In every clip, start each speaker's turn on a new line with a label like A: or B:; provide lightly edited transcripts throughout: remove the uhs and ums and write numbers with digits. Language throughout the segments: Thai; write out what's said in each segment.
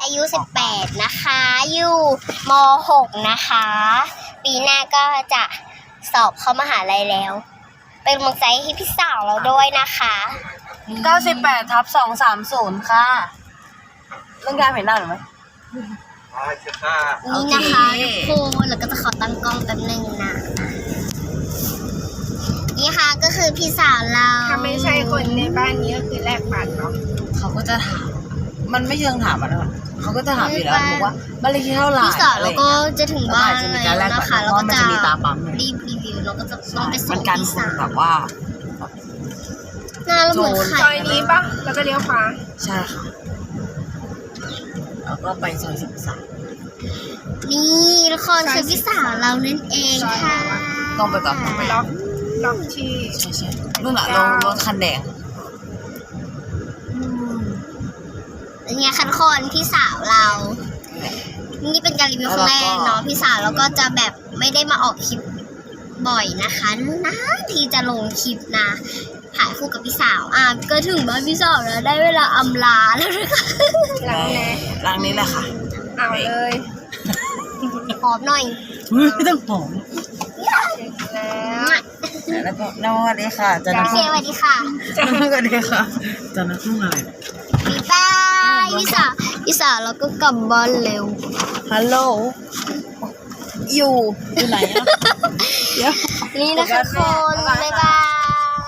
A: อายุ18นะคะอยู่ม.6 นะคะปีหน้าก็จะสอบเข้ามหาลัยแล้วเป็นกำลังใจให้พี่สาวเราด้วยนะคะ
B: 98/230ค่ะเรื่องการเห็นหน้าหรือไหม
A: นี่นะคะทุกคนแล้วก็จะขอตั้งกล้องแป๊บนึงนะนี่ค่ะก็คือพี่สาวเรา
C: ถ้าไม่ใช่คนในบ้านนี้ก็คือแลกบัตรเนาะ
B: เขาก็จะถามมันไม่เชิงถามอ่ะนะเขาก็จะถามอยู่แล้วบอกว่าบ้านเลขที่เท่าไหร่
A: พี่สาวเราก็จะถึงบ้านแล้วนะคะแล้วก็จะ
B: มีตาปั๊ม
A: รีวิวแล้วก็จะต้องไปส่งพี่สาว
B: แบบว่า
A: หน้าเราเหมือนไข่
C: ซอยนี้ปะแล้วก็เลี้ยวขวา
B: ใช่ค่ะแล้วก็ไปซอย13
A: นี่ทุกคนคือพี่สาวเรานั่นเองค่ะ
B: ต้องไปก่อนต้องไป
C: ล็อกที่
B: ใช่นู่นแหละรถคันแดง
A: เป็นไงคะทุกคนพี่สาวเรานี่เป็นการรีวิวครั้งแรกเนาะพี่สาวเราก็จะแบบไม่ได้มาออกคลิปบ่อยนะคะนะทีจะลงคลิปนะถ่ายคู่กับพี่สาวก็ถึงบ้านพี่สาวแล้วได้เวลาอำลาแล้วนะคะ
B: หลังนี้แหละค่ะ
C: เอาเลย
A: หอมหน่อย
B: ไม่ต้องหอมแล้วก็สวัสดีค่ะจันทร์
A: สวัสดีค่ะ
B: สวัสดีค่ะจันทร์ทุ่งอะไร
A: บ๊ายบายพี่สาวเราก็กลับบ้านเร็ว
B: ฮัลโหลอยู่ไหนอ่ะ
A: นี่นะคะทุกคนบ๊ายบาย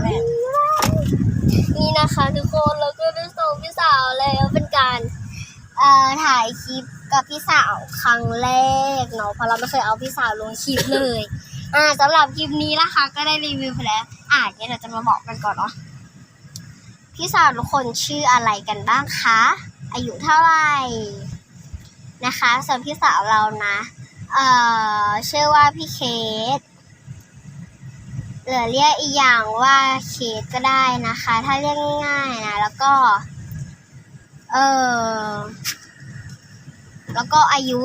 A: นี่นะคะทุกคนเราก็ได้ส่งพี่สาวแล้วเป็นการถ่ายคลิปกับพี่สาวครั้งแรกเนาะเพราะเราไม่เคยเอาพี่สาวลงคลิปเลยสำหรับคลิปนี้นะคะก็ได้รีวิวไปแล้วเนี่ยเราจะมาบอกกันก่อนเนาะพี่สาวทุกคนชื่ออะไรกันบ้างคะอายุเท่าไหร่นะคะส่วนพี่สาวเรานะชื่อว่าพี่เคสหรือเรียกอีกอย่างว่าเคสก็ได้นะคะถ้าเรียกง่ายๆนะแล้วก็อายุ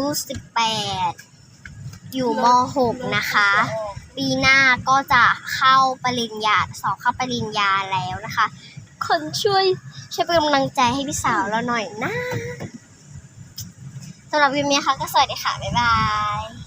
A: 18อยู่ม.6 นะคะปีหน้าก็จะเข้าปริญญาสอบเข้าปริญญาแล้วนะคะคนช่วยเป็นกำลังใจให้พี่สาวเราหน่อยนะสำหรับคลิปนี้ค่ะก็สวัสดีค่ะบ๊ายบาย